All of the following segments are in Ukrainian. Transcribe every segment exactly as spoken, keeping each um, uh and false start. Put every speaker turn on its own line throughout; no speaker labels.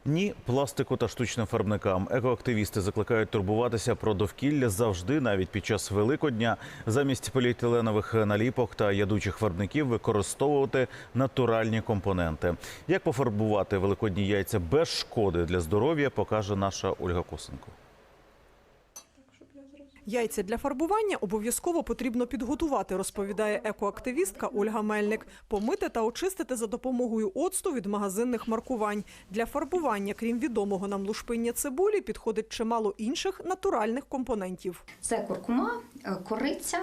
Ні пластику та штучним фарбникам. Екоактивісти закликають турбуватися про довкілля завжди, навіть під час Великодня. Замість поліетиленових наліпок та ядучих фарбників використовувати натуральні компоненти. Як пофарбувати великодні яйця без шкоди для здоров'я, покаже наша Ольга Косенко.
Яйця для фарбування обов'язково потрібно підготувати, розповідає екоактивістка Ольга Мельник. Помити та очистити за допомогою оцту від магазинних маркувань. Для фарбування, крім відомого нам лушпиння цибулі, підходить чимало інших натуральних компонентів.
Це куркума, кориця,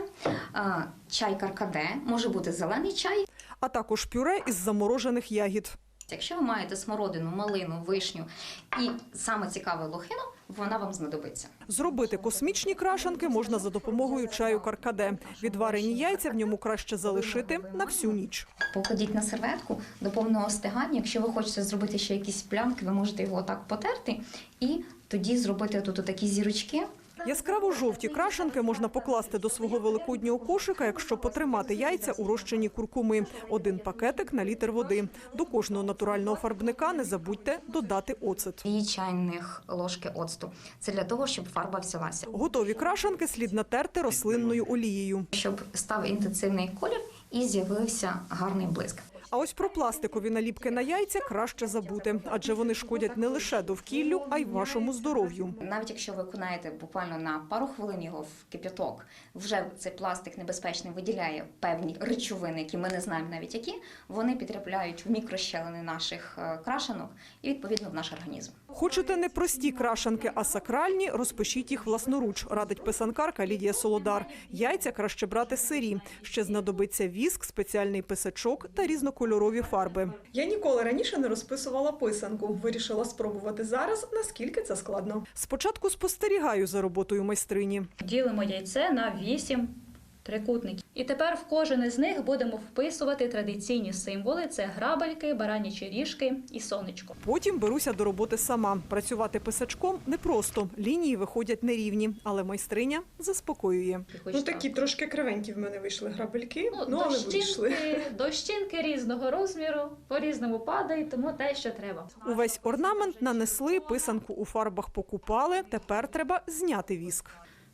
чай каркаде, може бути зелений чай.
А також пюре із заморожених ягід.
Якщо ви маєте смородину, малину, вишню і, саме цікаве, лохину, вона вам знадобиться.
Зробити космічні крашанки можна за допомогою чаю каркаде. Відварені яйця в ньому краще залишити на всю ніч.
Покладіть на серветку до повного остигання. Якщо ви хочете зробити ще якісь плямки, ви можете його так потерти і тоді зробити тут такі зірочки.
Яскраво-жовті крашанки можна покласти до свого великоднього кошика, якщо потримати яйця у розчині куркуми. Один пакетик на літр води. До кожного натурального фарбника не забудьте додати оцет.
Дві чайних ложки оцту. Це для того, щоб фарба взялася.
Готові крашанки слід натерти рослинною олією.
Щоб став інтенсивний колір і з'явився гарний блиск.
А ось про пластикові наліпки на яйця краще забути, адже вони шкодять не лише довкіллю, а й вашому здоров'ю.
Навіть якщо ви окунаєте буквально на пару хвилин його в кип'яток, вже цей пластик небезпечний виділяє певні речовини, які ми не знаємо навіть які, вони потрапляють в мікрощелини наших крашанок і відповідно в наш організм.
Хочете не прості крашанки, а сакральні, розпишіть їх власноруч, радить писанкарка Лідія Солодар. Яйця краще брати сирі. Ще знадобиться віск, спеціальний писачок та різнокольорові фарби.
Я ніколи раніше не розписувала писанку. Вирішила спробувати зараз, наскільки це складно.
Спочатку спостерігаю за роботою майстрині.
Ділимо яйце на вісім трикутників. І тепер в кожен із них будемо вписувати традиційні символи. Це грабельки, баранячі ріжки і сонечко.
Потім беруся до роботи сама. Працювати писачком непросто. Лінії виходять нерівні, але майстриня заспокоює.
Ну такі трошки кривенькі в мене вийшли грабельки,
Ну,
ну але вийшли.
дощинки, дощинки різного розміру, по-різному падають, тому те, що треба.
Увесь орнамент нанесли, писанку у фарбах покупали, тепер треба зняти віск.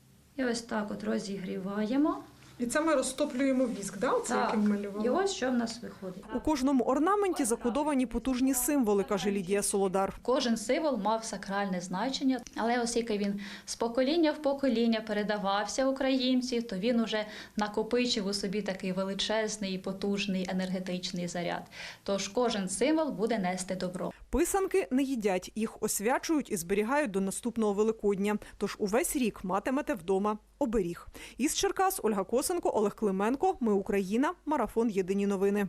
І ось так от розігріваємо.
І це ми розтоплюємо віск, да? Оце,
Так,
яким малювали?
і ось що в нас виходить.
У кожному орнаменті закодовані потужні символи, каже Лідія Солодар.
Кожен символ мав сакральне значення, але оскільки він з покоління в покоління передавався українців, то він уже накопичив у собі такий величезний і потужний енергетичний заряд. Тож кожен символ буде нести добро.
Писанки не їдять, їх освячують і зберігають до наступного Великодня. Тож увесь рік матимете вдома оберіг. Із Черкас Ольга Косенко, Олег Клименко. Ми Україна. Марафон. Єдині новини.